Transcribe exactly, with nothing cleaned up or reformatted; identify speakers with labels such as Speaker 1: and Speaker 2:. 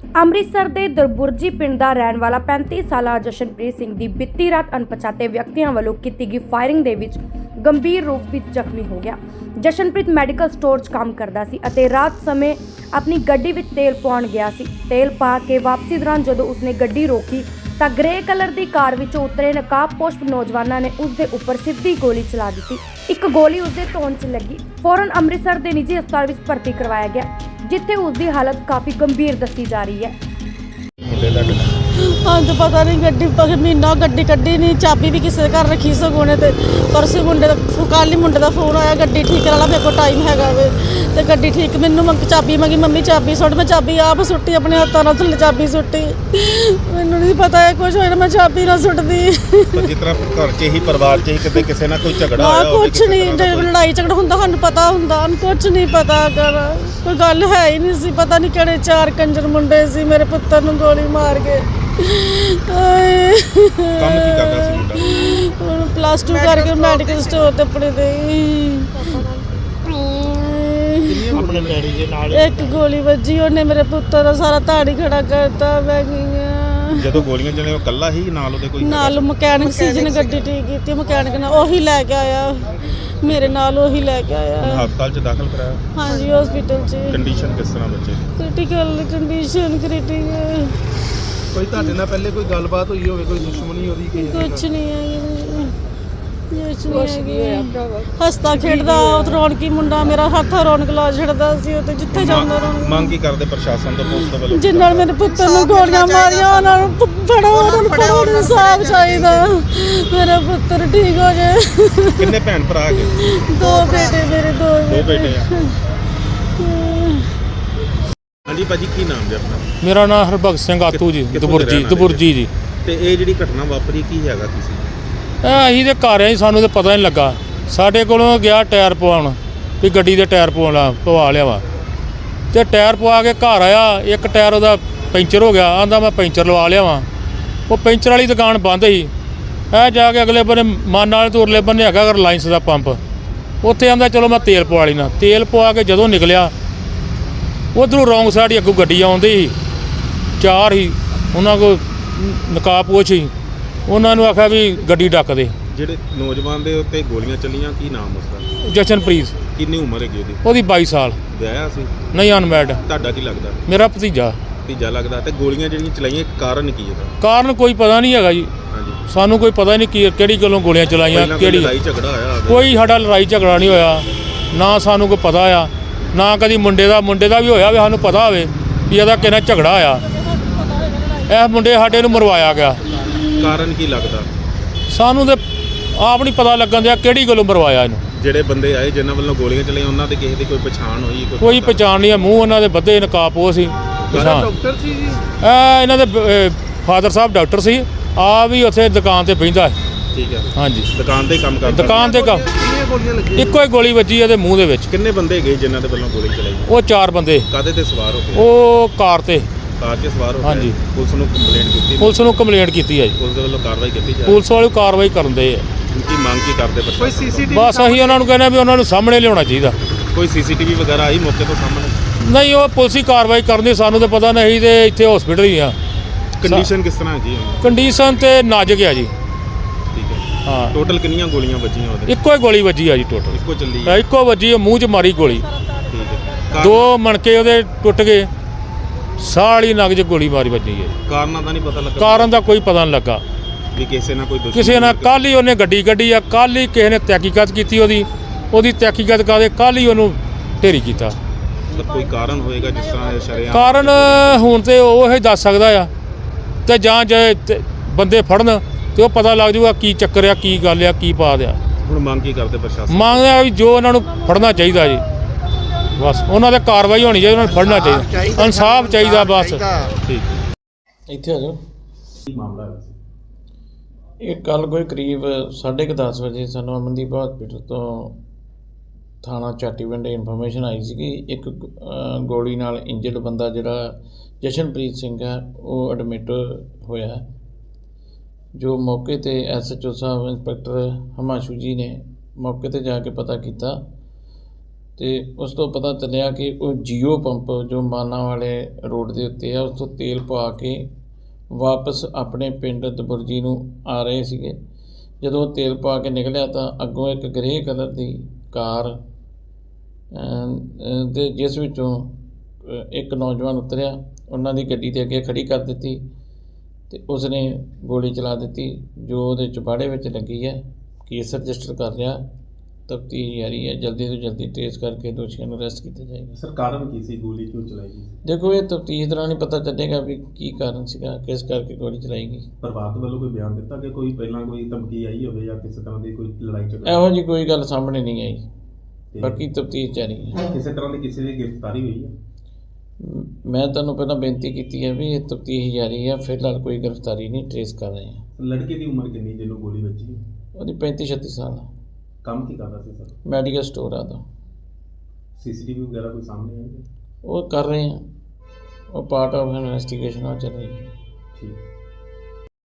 Speaker 1: ਅੰਮ੍ਰਿਤਸਰ ਦੇ ਦਰਬੁਰਜੀ ਪਿੰਡ ਦਾ ਰਹਿਣ ਵਾਲਾ ਪੈਂਤੀ ਸਾਲਾ ਜਸ਼ਨਪ੍ਰੀਤ ਸਿੰਘ ਦੀ ਬੀਤੀ ਰਾਤ ਅਣਪਛਾਤੇ ਵਿਅਕਤੀਆਂ ਵੱਲੋਂ ਕੀਤੀ ਗਈ ਫਾਇਰਿੰਗ ਦੇ ਵਿੱਚ ਗੰਭੀਰ ਰੂਪ ਵਿੱਚ ਜ਼ਖਮੀ ਹੋ ਗਿਆ। ਜਸ਼ਨਪ੍ਰੀਤ ਮੈਡੀਕਲ ਸਟੋਰ 'ਚ ਕੰਮ ਕਰਦਾ ਸੀ ਅਤੇ ਰਾਤ ਸਮੇਂ ਆਪਣੀ ਗੱਡੀ ਵਿੱਚ ਤੇਲ ਪਾਉਣ ਗਿਆ ਸੀ। ਤੇਲ ਪਾ ਕੇ ਵਾਪਸੀ ਦੌਰਾਨ ਜਦੋਂ ਉਸਨੇ ਗੱਡੀ ਰੋਕੀ ਤਾਂ ਗ੍ਰੇ ਕਲਰ ਦੀ ਕਾਰ ਵਿੱਚੋਂ ਉਤਰੇ ਨਕਾਬਪੋਸ਼ ਨੌਜਵਾਨਾਂ ਨੇ ਉਸ ਦੇ ਉੱਪਰ ਸਿੱਧੀ ਗੋਲੀ ਚਲਾ ਦਿੱਤੀ। ਇੱਕ ਗੋਲੀ ਉਸਦੇ ਧੌਣ 'ਚ ਲੱਗੀ। ਫੌਰਨ ਅੰਮ੍ਰਿਤਸਰ ਦੇ ਨਿੱਜੀ ਹਸਪਤਾਲ ਵਿੱਚ ਭਰਤੀ ਕਰਵਾਇਆ ਗਿਆ, ਜਿੱਥੇ ਉਸ ਦੀ ਹਾਲਤ ਕਾਫੀ ਗੰਭੀਰ ਦੱਸੀ ਜਾ ਰਹੀ ਹੈ।
Speaker 2: ਹਾਂ ਤਾਂ ਪਤਾ नहीं गड्डी पर महीना गड्डी कड्डी नहीं, चाबी भी किसी घर रखी सगोने ते परसों मुंडे दा कल ही मुंडे दा फोन आया गड्डी ठीक करा ला, मेरे को टाइम हैगा वे ते गड्डी ठीक मैनू मंग चाबी मंगी, मम्मी चाबी सुट, मैं चाबी आप सुट्टी अपने हत्थों नाल थल्ले चाबी सुट्टी। मैनू नहीं पता है कुछ होया, मैं चाबी ना सुटदी।
Speaker 3: जिस तरह घर च ही परिवार च ही किते किसी ना कोई झगड़ा होया
Speaker 2: होवे, कुछ नहीं लड़ाई झगड़ा हुंदा सानू पता हुंदा, कुछ नहीं पता कर कोई गल है ही नहीं सी। पता नहीं किहड़े चार कंजर मुंडे सी मेरे पुत्तर नू गोली मार के।
Speaker 3: ਕੰਮ ਕੀ ਕਰਦਾ ਸੀ ਮੁੰਡਾ?
Speaker 2: ਹੁਣ ਪਲੱਸ ਟੂ ਕਰਕੇ ਮੈਡੀਕਲ ਸਟੋਰ ਤੇ ਆਪਣੇ ਦੇ
Speaker 3: ਆਪਣੇ ਡੈਡੀ ਦੇ ਨਾਲ
Speaker 2: ਇੱਕ ਗੋਲੀ ਵੱਜੀ, ਉਹਨੇ ਮੇਰੇ ਪੁੱਤਰ ਦਾ ਸਾਰਾ ਧਾੜੀ ਖੜਾ ਕਰਤਾ। ਮੈਂ ਗਈਆਂ
Speaker 3: ਜਦੋਂ ਗੋਲੀਆਂ ਚਲੇ ਉਹ ਕੱਲਾ ਹੀ ਨਾਲ ਉਹਦੇ ਕੋਈ
Speaker 2: ਨਾਲ ਮਕੈਨਿਕ ਸੀ ਜਿਹਨੇ ਗੱਡੀ ਠੀਕ ਕੀਤੀ, ਮਕੈਨਿਕ ਨਾਲ ਉਹੀ ਲੈ ਕੇ ਆਇਆ, ਮੇਰੇ ਨਾਲ ਉਹੀ ਲੈ ਕੇ ਆਇਆ।
Speaker 3: ਹਸਪਤਾਲ 'ਚ ਦਾਖਲ ਕਰਾਇਆ?
Speaker 2: ਹਾਂਜੀ ਹਸਪੀਟਲ 'ਚ।
Speaker 3: ਕੰਡੀਸ਼ਨ ਕਿਸ ਤਰ੍ਹਾਂ ਬੱਚੇ ਦੀ?
Speaker 2: Critical condition critical.
Speaker 4: ਕੋਈ ਤੁਹਾਡੇ ਨਾਲ ਪਹਿਲੇ ਕੋਈ ਗੱਲਬਾਤ ਹੋਈ ਹੋਵੇ, ਕੋਈ ਦੁਸ਼ਮਣੀ ਉਹਦੀ ਕਿਸੇ ਦੀ?
Speaker 2: ਕੁਛ ਨਹੀਂ ਹੈ ਕੁਛ ਨਹੀਂ ਹੈ। ਹੱਸਦਾ ਖੇਡਦਾ ਰੌਣਕੀ ਮੁੰਡਾ, ਮੇਰਾ ਹੱਥ ਰੌਣਕ ਲਾ ਛੱਡਦਾ ਸੀ ਉਹ ਤੇ ਜਿੱਥੇ ਜਾਂਦਾ ਰੌਣਕ।
Speaker 3: ਮੰਗ ਕੀ ਕਰਦੇ ਪ੍ਰਸ਼ਾਸਨ ਤੋਂ, ਪੁਲਿਸ ਤੋਂ ਵੱਲੋਂ?
Speaker 2: ਜਿਨ੍ਹਾਂ ਨੇ ਮੇਰੇ ਪੁੱਤਰ ਨੂੰ ਗੋਲੀਆਂ ਮਾਰੀਆਂ ਉਹਨਾਂ ਨੂੰ ਫੜੋ, ਉਹਨਾਂ ਨੂੰ ਫੜੋ, ਇਨਸਾਫ ਚਾਹੀਦਾ, ਮੇਰਾ ਪੁੱਤਰ ਠੀਕ ਹੋ ਜਾਏ।
Speaker 3: ਕਿੰਨੇ ਭੈਣ ਭਰਾ ਹੈਗੇ?
Speaker 2: ਦੋ ਬੇਟੇ ਮੇਰੇ, ਦੋ
Speaker 3: ਦੋ ਬੇਟੇ ਆ। ਹਾਂਜੀ ਭਾਜੀ, ਕੀ ਨਾਮ ਜੀ ਆਪਣਾ?
Speaker 5: ਮੇਰਾ ਨਾਮ ਹਰਭਗਤ ਸਿੰਘ ਆਤੂ ਜੀ,
Speaker 3: ਕਿੱਥੋਂ ਦੇ
Speaker 5: ਦਬੁਰਜੀ
Speaker 3: ਰਹਿਣ ਵਾਲੇ
Speaker 5: ਦਬੁਰਜੀ ਜੀ।
Speaker 3: ਤੇ ਇਹ ਜਿਹੜੀ ਘਟਨਾ ਵਾਪਰੀ ਕੀ ਹੈਗਾ ਕਿਸੇ?
Speaker 5: ਇਹ ਅਸੀਂ ਤੇ ਘਰ ਆਏ, ਸਾਨੂੰ ਤਾਂ ਪਤਾ ਨਹੀਂ ਲੱਗਾ। ਸਾਡੇ ਕੋਲੋਂ ਗਿਆ ਟਾਇਰ ਪਵਾਉਣ ਵੀ ਗੱਡੀ ਦੇ ਟਾਇਰ ਪਵਾਉਣਾ ਪਵਾ ਲਿਆ ਵਾ, ਤੇ ਟਾਇਰ ਪਵਾ ਕੇ ਘਰ ਆਇਆ, ਇੱਕ ਟਾਇਰ ਉਹਦਾ ਪੈਂਚਰ ਹੋ ਗਿਆ। ਆਂਦਾ ਮੈਂ ਪੈਂਚਰ ਲਵਾ ਲਿਆ ਵਾਂ। ਉਹ ਪੈਂਚਰ ਵਾਲੀ ਦੁਕਾਨ ਬੰਦ ਸੀ। ਇਹ ਜਾ ਕੇ ਅਗਲੇ ਬੰਨੇ ਮਨ ਵਾਲੇ ਤੋਂ ਉਰਲੇ ਬੰਨੇ ਹੈਗਾ ਰਿਲਾਇੰਸ ਦਾ ਪੰਪ, ਉੱਥੇ ਆਂਦਾ ਚਲੋ ਮੈਂ ਤੇਲ ਪਵਾ ਲੈਣਾ। ਤੇਲ ਪਵਾ ਕੇ ਜਦੋਂ ਨਿਕਲਿਆ, ਉੱਧਰੋਂ ਰੌਂਗ ਸਾਈਡ ਹੀ ਅੱਗੋਂ ਗੱਡੀ ਆਉਂਦੀ ਸੀ, ਚਾਰ ਹੀ ਉਹਨਾਂ ਕੋਲ ਨਕਾਬਪੋਸ਼ ਸੀ। ਉਹਨਾਂ ਨੂੰ ਆਖਿਆ ਵੀ ਗੱਡੀ ਡੱਕ ਦੇ।
Speaker 3: ਜਿਹੜੇ ਨੌਜਵਾਨ ਦੇ ਉੱਤੇ ਗੋਲੀਆਂ ਚੱਲੀਆਂ, ਕੀ ਨਾਮ ਉਸਦਾ?
Speaker 5: ਜਸ਼ਨਪ੍ਰੀਤ,
Speaker 3: ਕਿੰਨੀ ਉਮਰ ਹੈਗੀ ਉਹਦੀ?
Speaker 5: ਉਹਦੀ ਬਾਈ ਸਾਲ।
Speaker 3: ਵਿਆਹਿਆ ਸੀ?
Speaker 5: ਨਹੀਂ, ਅਨਮੈਰਿਡ।
Speaker 3: ਤੁਹਾਡਾ ਕੀ ਲੱਗਦਾ?
Speaker 5: ਮੇਰਾ ਭਤੀਜਾ।
Speaker 3: ਭਤੀਜਾ ਲੱਗਦਾ। ਤੇ ਗੋਲੀਆਂ ਜਿਹੜੀਆਂ ਚਲਾਈਆਂ, ਕਾਰਨ ਕੀ ਇਹਦਾ?
Speaker 5: ਕਾਰਨ ਕੋਈ ਪਤਾ ਨਹੀਂ ਹੈਗਾ ਜੀ,
Speaker 3: ਹਾਂਜੀ,
Speaker 5: ਸਾਨੂੰ ਕੋਈ ਪਤਾ ਨਹੀਂ ਕੀ ਕਿਹੜੀ ਗੱਲੋਂ ਗੋਲੀਆਂ ਚਲਾਈਆਂ,
Speaker 3: ਪਹਿਲਾਂ ਕੋਈ
Speaker 5: ਕਿਹੜੀ।
Speaker 3: ਲੜਾਈ ਝਗੜਾ ਹੋਇਆ ਹੋਵੇ?
Speaker 5: ਕੋਈ ਸਾਡਾ ਲੜਾਈ ਝਗੜਾ ਨਹੀਂ ਹੋਇਆ, ਨਾ ਸਾਨੂੰ ਕੋਈ ਪਤਾ ਆ, ਨਾ ਕਦੀ ਮੁੰਡੇ ਦਾ ਮੁੰਡੇ ਦਾ ਵੀ ਹੋਇਆ ਵੀ ਸਾਨੂੰ ਪਤਾ ਹੋਵੇ ਵੀ ਇਹਦਾ ਕਿਹਨਾਂ ਝਗੜਾ ਹੋਇਆ। ਇਹ ਮੁੰਡੇ ਸਾਡੇ ਨੂੰ ਮਰਵਾਇਆ ਗਿਆ।
Speaker 3: ਕਾਰਨ ਕੀ ਲੱਗਦਾ?
Speaker 5: ਸਾਨੂੰ ਤੇ ਆਪ ਨਹੀਂ ਪਤਾ ਲੱਗਣ ਦਿਆ ਕਿਹੜੀ ਗੱਲੋਂ ਮਰਵਾਇਆ ਇਹਨੂੰ।
Speaker 3: ਜਿਹੜੇ ਬੰਦੇ ਆਏ ਜਿਨ੍ਹਾਂ ਵੱਲੋਂ ਗੋਲੀਆਂ ਚਲਾਈਆਂ, ਉਹਨਾਂ ਦੇ ਕਿਸੇ ਦੀ ਕੋਈ ਪਛਾਣ ਹੋਈ?
Speaker 5: ਕੋਈ ਪਛਾਣ ਨਹੀਂ ਆ, ਮੂੰਹ ਉਹਨਾਂ ਦੇ ਬੱਧੇ ਨਕਾਬਪੋਸ਼ ਸੀ। ਪਛਾਣ
Speaker 4: ਡਾਕਟਰ ਸੀ ਜੀ?
Speaker 5: ਇਹ ਇਹਨਾਂ ਦੇ ਫਾਦਰ ਸਾਹਿਬ ਡਾਕਟਰ ਸੀ, ਆ ਵੀ ਉੱਥੇ ਦੁਕਾਨ ਤੇ ਬਹਿੰਦਾ ਹੈ।
Speaker 3: ਠੀਕ ਹੈ।
Speaker 5: ਹਾਂਜੀ,
Speaker 3: ਦੁਕਾਨ ਤੇ ਹੀ ਕੰਮ ਕਰਦਾ?
Speaker 5: ਦੁਕਾਨ ਤੇ ਕੰਮ।
Speaker 4: ਕਿੰਨੀਆਂ ਗੋਲੀਆਂ ਲੱਗੀਆਂ?
Speaker 5: ਇੱਕੋ ਹੀ ਗੋਲੀ ਵੱਜੀ ਇਹਦੇ ਮੂੰਹ ਦੇ ਵਿੱਚ।
Speaker 3: ਕਿੰਨੇ ਬੰਦੇ ਗਏ ਜਿਨ੍ਹਾਂ ਦੇ ਵੱਲੋਂ ਗੋਲੀ ਚਲਾਈ?
Speaker 5: ਉਹ ਚਾਰ ਬੰਦੇ।
Speaker 3: ਕਾਹਦੇ ਤੇ ਸਵਾਰ ਹੋ ਕੇ?
Speaker 5: ਉਹ ਕਾਰ ਤੇ।
Speaker 3: ਕਾਰ 'ਚ ਸਵਾਰ ਹੋ ਕੇ?
Speaker 5: ਹਾਂਜੀ।
Speaker 3: ਪੁਲਿਸ ਨੂੰ ਕੰਪਲੇਂਟ ਕੀਤੀ?
Speaker 5: ਪੁਲਿਸ ਨੂੰ ਕੰਪਲੇਂਟ ਕੀਤੀ ਹੈ ਜੀ,
Speaker 3: ਪੁਲਿਸ ਦੇ ਵੱਲੋਂ ਕਾਰਵਾਈ ਕੀਤੀ ਜਾ ਰਹੀ?
Speaker 5: ਪੁਲਿਸ ਵਾਲੇ ਕਾਰਵਾਈ ਕਰਨ ਦੇ ਆ।
Speaker 3: ਕੀ ਮੰਗ ਕੀ ਕਰਦੇ
Speaker 4: ਕੋਈ
Speaker 3: ਪ੍ਰਸ਼ਾਸਨ?
Speaker 4: ਸੀਸੀਟੀਵੀ?
Speaker 5: ਬਸ ਅਸੀਂ ਉਹਨਾਂ ਨੂੰ ਕਹਿੰਦੇ ਵੀ ਉਹਨਾਂ ਨੂੰ ਸਾਹਮਣੇ ਲਿਆਉਣਾ ਚਾਹੀਦਾ।
Speaker 3: ਕੋਈ ਸੀਸੀਟੀਵੀ ਵਗੈਰਾ ਆਈ ਮੌਕੇ ਤੋਂ ਸਾਹਮਣੇ?
Speaker 5: ਨਹੀਂ, ਉਹ ਪੁਲਿਸ ਹੀ ਕਾਰਵਾਈ ਕਰਨੀ, ਸਾਨੂੰ ਤਾਂ ਪਤਾ ਨਹੀਂ। ਤੇ ਇੱਥੇ ਹਸਪੀਟਲ ਹੀ ਆ।
Speaker 3: ਕੰਡੀਸ਼ਨ ਕਿਸ ਤਰ੍ਹਾਂ ਹੈਗੀ ਹੈ?
Speaker 5: ਕੰਡੀਸ਼ਨ ਤੇ ਨਾਜ਼ੁਕ ਆ ਜੀ।
Speaker 3: ਠੀਕ ਹੈ।
Speaker 5: ਹਾਂ,
Speaker 3: ਟੋਟਲ ਕਿੰਨੀਆਂ ਗੋਲੀਆਂ ਵੱਜੀਆਂ ਉਹਦੇ?
Speaker 5: ਇੱਕੋ ਹੀ ਗੋਲੀ ਵੱਜੀ ਆ ਜੀ ਟੋਟਲ।
Speaker 3: ਇੱਕੋ ਚੱਲੀ ਹੈ?
Speaker 5: ਇੱਕੋ ਵੱਜੀ, ਮੂੰਹ 'ਚ ਮਾਰੀ ਗੋਲੀ।
Speaker 3: ਠੀਕ ਹੈ।
Speaker 5: ਦੋ ਮਣਕੇ ਉਹਦੇ ਟੁੱਟ ਗਏ, ਸਾਹ ਵਾਲੀ ਨਗ 'ਚ ਗੋਲੀ ਮਾਰੀ ਵੱਜੀ ਹੈ।
Speaker 3: ਕਾਰਨਾਂ ਦਾ ਨਹੀਂ ਪਤਾ ਲੱਗਾ?
Speaker 5: ਕਾਰਨ ਦਾ ਕੋਈ ਪਤਾ ਨਹੀਂ ਲੱਗਾ
Speaker 3: ਵੀ ਕਿਸੇ ਨਾਲ ਕੋਈ ਦੁਸ਼ਮਣੀ?
Speaker 5: ਕਿਸੇ ਨਾਲ ਕੱਲ੍ਹ ਹੀ ਉਹਨੇ ਗੱਡੀ ਕੱਢੀ ਆ, ਕੱਲ੍ਹ ਹੀ ਕਿਸੇ ਨੇ ਤਹਿਕੀਕਤ ਕੀਤੀ ਉਹਦੀ ਉਹਦੀ ਤਹਿਕੀਕਤ ਕਰਦੇ ਕੱਲ੍ਹ ਹੀ ਉਹਨੂੰ ਢੇਰੀ ਕੀਤਾ।
Speaker 3: ਮਤਲਬ ਕੋਈ ਕਾਰਨ ਹੋਏਗਾ ਜਿਸ ਤਰ੍ਹਾਂ ਇਹ ਸ਼ਰੇਆਮ?
Speaker 5: ਕਾਰਨ ਹੁਣ ਤੇ ਉਹ ਹੀ ਦੱਸ ਸਕਦਾ ਆ, ਤੇ ਜਾਂ ਜੇ ਤੇ ਬੰਦੇ ਫੜਨ ਤੇ ਉਹ ਪਤਾ ਲੱਗ ਜਾਊਗਾ ਕੀ ਚੱਕਰ ਆ, ਕੀ ਗੱਲ ਆ, ਕੀ ਪਾ ਦਿਆ।
Speaker 3: ਹੁਣ ਮੰਗ ਕੀ ਕਰਦੇ ਪ੍ਰਸ਼ਾਸਨ?
Speaker 5: ਮੰਗਦਾ ਵੀ ਜੋ ਉਹਨਾਂ ਨੂੰ ਫੜਨਾ ਚਾਹੀਦਾ ਜੀ, ਬਸ ਉਹਨਾਂ 'ਤੇ ਕਾਰਵਾਈ ਹੋਣੀ ਚਾਹੀਦੀ, ਉਹਨਾਂ ਨੂੰ ਫੜਨਾ ਚਾਹੀਦਾ, ਇਨਸਾਫ ਚਾਹੀਦਾ ਬਸ।
Speaker 3: ਠੀਕ।
Speaker 6: ਇੱਥੇ ਆ ਜਾਓ।
Speaker 3: ਕੀ ਮਾਮਲਾ ਹੈ?
Speaker 6: ਇਹ ਕੱਲ੍ਹ ਕੋਈ ਕਰੀਬ ਸਾਢੇ ਕੁ ਦਸ ਵਜੇ ਸਾਨੂੰ ਅਮਨਦੀਪ ਹਸਪੀਟਲ ਤੋਂ ਥਾਣਾ ਚਾਟੀਵਿੰਡ ਇਨਫੋਰਮੇਸ਼ਨ ਆਈ ਸੀ ਕਿ ਇੱਕ ਅ, ਗੋਲੀ ਨਾਲ ਇੰਜਰਡ ਬੰਦਾ ਜਿਹੜਾ ਜਸ਼ਨਪ੍ਰੀਤ ਸਿੰਘ ਹੈ ਉਹ ਐਡਮਿਟ ਹੋਇਆ। ਜੋ ਮੌਕੇ 'ਤੇ ਐਸ ਐਚ ਓ ਸਾਹਿਬ ਇੰਸਪੈਕਟਰ ਹਿਮਾਂਸ਼ੂ ਜੀ ਨੇ ਮੌਕੇ 'ਤੇ ਜਾ ਕੇ ਪਤਾ ਕੀਤਾ ਤੇ ਉਸ ਤੋਂ ਪਤਾ ਚੱਲਿਆ ਕਿ ਉਹ ਜੀਓ ਪੰਪ ਜੋ ਮਾਨਾ ਵਾਲੇ ਰੋਡ ਦੇ ਉੱਤੇ ਆ ਉਸ ਤੋਂ ਤੇਲ ਪਵਾ ਕੇ ਵਾਪਸ ਆਪਣੇ ਪਿੰਡ ਦਬੁਰਜੀ ਨੂੰ ਆ ਰਹੇ ਸੀਗੇ। ਜਦੋਂ ਉਹ ਤੇਲ ਪਾ ਕੇ ਨਿਕਲਿਆ ਤਾਂ ਅੱਗੋਂ ਇੱਕ ਗ੍ਰੇ ਕਲਰ ਦੀ ਕਾਰ ਤੇ ਜਿਸ ਵਿੱਚੋਂ ਅ, ਇੱਕ ਨੌਜਵਾਨ ਉਤਰਿਆ, ਉਹਨਾਂ ਦੀ ਗੱਡੀ ਦੇ ਅੱਗੇ ਖੜੀ ਕਰ ਦਿੱਤੀ ਤੇ ਉਸਨੇ ਗੋਲੀ ਚਲਾ ਦਿੱਤੀ ਜੋ ਉਹਦੇ ਚੁਬਾੜੇ ਵਿੱਚ ਲੱਗੀ ਹੈ। ਕੇਸ ਰਜਿਸਟਰ ਕਰ ਲਿਆ, ਤਫਤੀਸ਼ ਜਾਰੀ ਹੈ। ਜਲਦੀ ਤੋਂ ਜਲਦੀ ਟ੍ਰੇਸ ਕਰਕੇ ਦੋਸ਼ੀਆਂ ਨੂੰ ਅਰੈਸਟ ਕੀਤਾ ਜਾਏਗਾ।
Speaker 3: ਸਰ ਕਾਰਨ ਕੀ ਸੀ, ਗੋਲੀ ਕਿਉਂ ਚਲਾਈ ਗਈ?
Speaker 6: ਦੇਖੋ ਇਹ ਤਫਤੀਸ਼ ਦੌਰਾਨ ਹੀ ਪਤਾ ਚੱਲੇਗਾ ਵੀ ਕੀ ਕਾਰਨ ਸੀਗਾ, ਕਿਸ ਕਰਕੇ ਗੋਲੀ ਚਲਾਈ ਗਈ।
Speaker 3: ਪਰਿਵਾਰ ਵੱਲੋਂ ਕੋਈ ਬਿਆਨ ਦਿੱਤਾ ਕਿ ਕੋਈ ਪਹਿਲਾਂ ਕੋਈ ਧਮਕੀ ਆਈ ਹੋਵੇ ਜਾਂ ਕਿਸੇ ਤਰ੍ਹਾਂ ਦੀ ਕੋਈ ਲੜਾਈ ਝਗੜਾ?
Speaker 6: ਇਹੋ ਜਿਹੀ ਕੋਈ ਗੱਲ ਸਾਹਮਣੇ ਨਹੀਂ ਆਈ,
Speaker 3: ਤੇ
Speaker 6: ਬਾਕੀ ਤਫਤੀਸ਼ ਜਾਰੀ ਹੈ।
Speaker 3: ਕਿਸੇ ਤਰ੍ਹਾਂ ਦੀ ਕਿਸੇ ਦੀ ਗ੍ਰਿਫਤਾਰੀ ਹੋਈ ਹੈ?
Speaker 6: ਮ- ਮੈਂ ਤੁਹਾਨੂੰ ਪਹਿਲਾਂ ਬੇਨਤੀ ਕੀਤੀ ਹੈ ਵੀ ਇਹ ਤਫਤੀਸ਼ ਜਾਰੀ ਹੈ, ਫਿਲਹਾਲ ਕੋਈ ਗ੍ਰਿਫਤਾਰੀ ਨਹੀਂ, ਟ੍ਰੇਸ ਕਰ ਰਹੇ ਹਾਂ।
Speaker 3: ਲੜਕੇ ਦੀ ਉਮਰ ਕਿੰਨੀ ਜਿਹਨੂੰ ਗੋਲੀ ਵੱਜੀ?
Speaker 6: ਉਹਦੀ ਪੈਂਤੀ ਛੱਤੀ ਸਾਲ ਆ,
Speaker 3: ਕੰਮ ਕੀ ਕਰਦਾ ਸੀ ਸਰ?
Speaker 6: ਮੈਡੀਕਲ ਸਟੋਰ ਆ ਦਾ।
Speaker 3: ਸੀਸੀਟੀਵੀ ਵਗੈਰਾ ਕੋਈ ਸਾਹਮਣੇ ਆਈ?
Speaker 6: ਉਹ ਕਰ ਰਹੇ ਹਾਂ, ਉਹ ਪਾਰਟ ਆਫ ਇਨਵੈਸਟੀਗੇਸ਼ਨ ਆ ਚੱਲ ਰਹੀ ਹੈ।
Speaker 3: ਠੀਕ।